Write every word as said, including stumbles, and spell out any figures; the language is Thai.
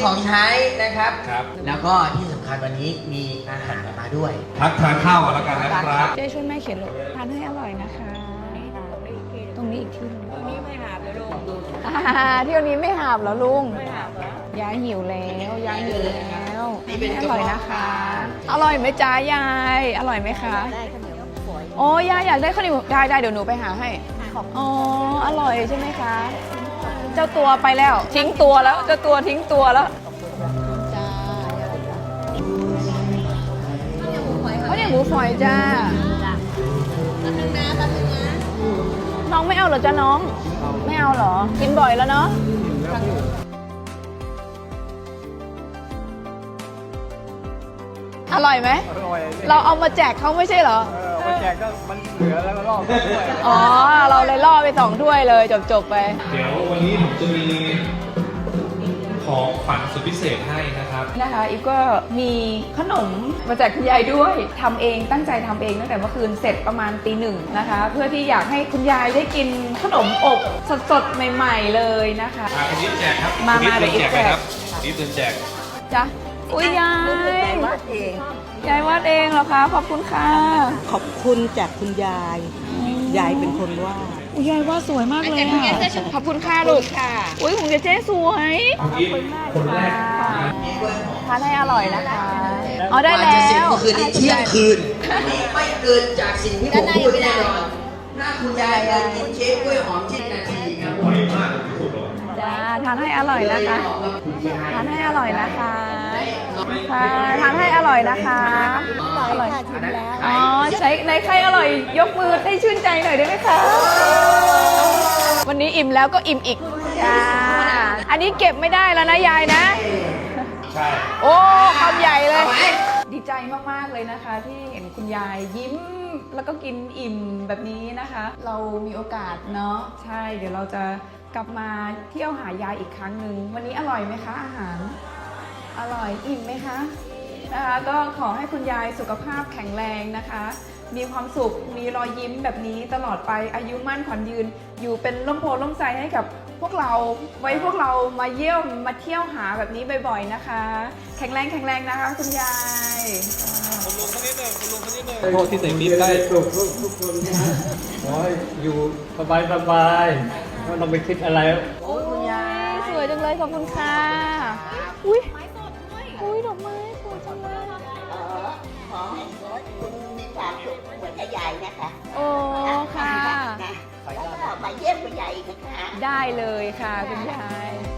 ของใช้นะครับครับแล้วก็ที่สำคัญวันนี้มีอาหารมาด้วยพักทานข้าวกันแล้วกันนะครับเจ๊ช่วยแม่เขียนลงทานให้อร่อยนะคะ ตรงนี้อีกที่นึงนี่ไม่หาบเลยลุงอ่าเที่ยวนี้ไม่หาบเหรอลุงไม่หาบเหรอยายหิวแล้วยายหิวแล้วนี่เป็นอร่อยนะคะกระเพาะอร่อยไหมจ๊ะยายอร่อยไหมคะได้ข้าวเหนียวฝอยโอ้ยายอยากได้ข้าวเหนียวได้ได้เดี๋ยวหนูไปหาให้อ๋ออร่อยใช่ไหมคะ เจ้าตัวไปแล้ว ทิ้งตัวแล้วเจ้าตัวทิ้งตัวแล้วจ้าเขาเนี่ยหมูฝอยจ้าแป๊บนึงนะแป๊บนึงนะน้องไม่เอาเหรอจ๊ะน้อง ไม่เอาเหรอ กินบ่อยแล้วเนาะอร่อยไหมอร่อยเราเอามาแจกเขาไม่ใช่เหรอเออมาแจกก็มันเหลือแล้วก็รอบด้วยอ๋อ เราเลยล่อไปสองถ้วยเลยจบๆไปเดี๋ยววันนี้ผมจะมีของขวัญสุดพิเศษให้นะครับนะคะอีฟก็มีขนมมาแจกคุณยายด้วยทำเองตั้งใจทำเองตั้งแต่เมื่อคืนเสร็จประมาณตีหนึ่งนะคะ เพื่อที่อยากให้คุณยายได้กินขนมอบสดๆใหม่ๆเลยนะคะอ่ะคนนี้แจกครับมาคนนี้มาเดินเดี๋แจยวกไปอีกแจกครับคนนี้เดินแจกจ้ะอุ้ยยายวาดเองยายวาดเองเหรอคะขอบคุณค่ะขอบคุณจากคุณยาย ยายเป็นคนวาดอุ้ยยายวาดสวยมากเลยค่ะขอบคุณค่ะลูกค่ะอุ้ยของเจ๊เจ๊สวยเมื่อกี้คนแรกทานให้อร่อยนะคะอ๋อได้แล้กาจะเสร็จวก็คือในเที่ยงคืนนี่ไม่เกินจากสิ่งที่ผมพูดแน่นอนถ้าคุณยายเดินกินเค้กกล้วยหอมชิ้นนาทีครับอร่อยมากที่สุดเลยจ้าทานให้อร่อยนะคะ ทานให้อร่อยนะคะค่ะทานให้อร่อยนะคะอร่อยค่ะชิมแล้วอ๋อใช้ในใครอร่อยยกมือให้ชื่นใจหน่อยได้ไหมคะวันนี้อิ่มแล้วก็อิ่มอีกจ้าอันนี้เก็บไม่ได้แล้วนะยายนะใช่โอ้คำใหญ่เลย ดีใจมากๆเลยนะคะ ที่เห็นคุณยายยิ้มแล้วก็กินอิ่มแบบนี้นะคะ เรามีโอกาสเนาะใช่เดี๋ยวเราจะกลับมาเที่ยวหายายอีกครั้งหนึ่งวันนี้อร่อยไหมคะอาหาร อร่อยอิ่มไหมคะนะคะก็ขอให้คุณยายสุขภาพแข็งแรงนะคะ มีความสุขมีรอยยิ้มแบบนี้ตลอดไปอายุมั่นขวัญยืน อยู่เป็นร่มโพล่มไทรให้กับพวกเราไว้พวกเรามาเยี่ยมมาเที่ยวหาแบบนี้บ่อยๆนะคะ แข็งแรงแข็งแรงนะคะคุณยายคุณลุงคนนี้หนึ่งคุณลุงคนนี้หนึ่งโทษที่ใส่ปี๊บได้สุขทุกคนนะขอให้อยู่สบายสบายไม่ต้องไปคิดอะไรโอ้คุณยายสวยจังเลยขอบคุณค่ะอุ้ยอุ้ยดอกไม้สวยจังเลยเออขอให้คุณมีความสุขเหมือนกับยายนะคะโอ้ค่ะนะแล้วก็มาเยี่ยมคุณยายอีกนะคะได้เลยค่ะคุณยาย